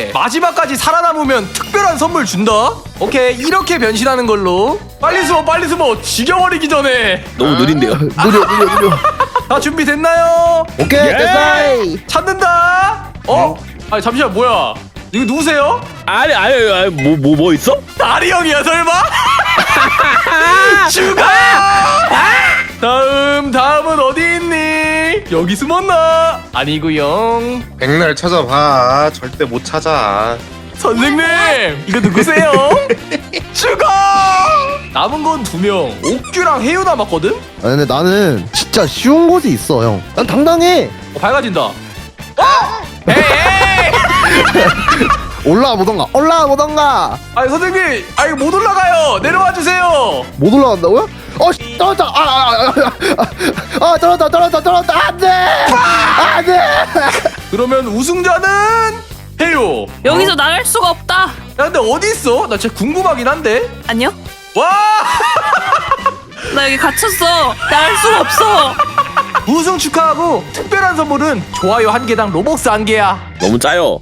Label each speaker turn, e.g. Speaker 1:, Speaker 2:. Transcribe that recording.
Speaker 1: 근데 마지막까지 살아남으면 특별한 선물 준다. 오케이, 이렇게 변신하는 걸로. 빨리 숨어, 빨리 숨어. 죽여버리기 전에.
Speaker 2: 너무 느린데요.
Speaker 3: 느려.
Speaker 1: 다 준비됐나요?
Speaker 3: 오케이,
Speaker 2: 예!
Speaker 3: 됐어.
Speaker 1: 찾는다. 아니 잠시만, 뭐야? 이거 누구세요?
Speaker 2: 아니 뭐 있어?
Speaker 1: 다리 형이야 설마? 죽어! 다음은 어디 있니? 여기 숨었나? 아니구요.
Speaker 4: 백날 찾아봐. 절대 못 찾아.
Speaker 1: 선생님, 이거 누구세요? 죽어! 남은 건 2명. 옥규랑 혜유 남았거든?
Speaker 3: 아, 근데 나는 진짜 쉬운 곳이 있어, 형. 난 당당해.
Speaker 1: 밝아진다. 에이!
Speaker 3: 올라와 보던가.
Speaker 1: 아니 선생님, 이거 못 올라가요. 내려와 주세요.
Speaker 3: 못 올라간다고요? 떨어졌다. 떨어졌다. 안 돼.
Speaker 1: 그러면 우승자는 혜유.
Speaker 5: 여기서 나갈 수가 없다.
Speaker 1: 야, 근데 어디 있어? 나 진짜 궁금하긴 한데.
Speaker 5: 안녕?
Speaker 1: 와!
Speaker 5: 나 여기 갇혔어. 나갈 수가 없어.
Speaker 1: 우승 축하하고 특별한 선물은 좋아요 1개당 로벅스 1개야.
Speaker 2: 너무 짜요.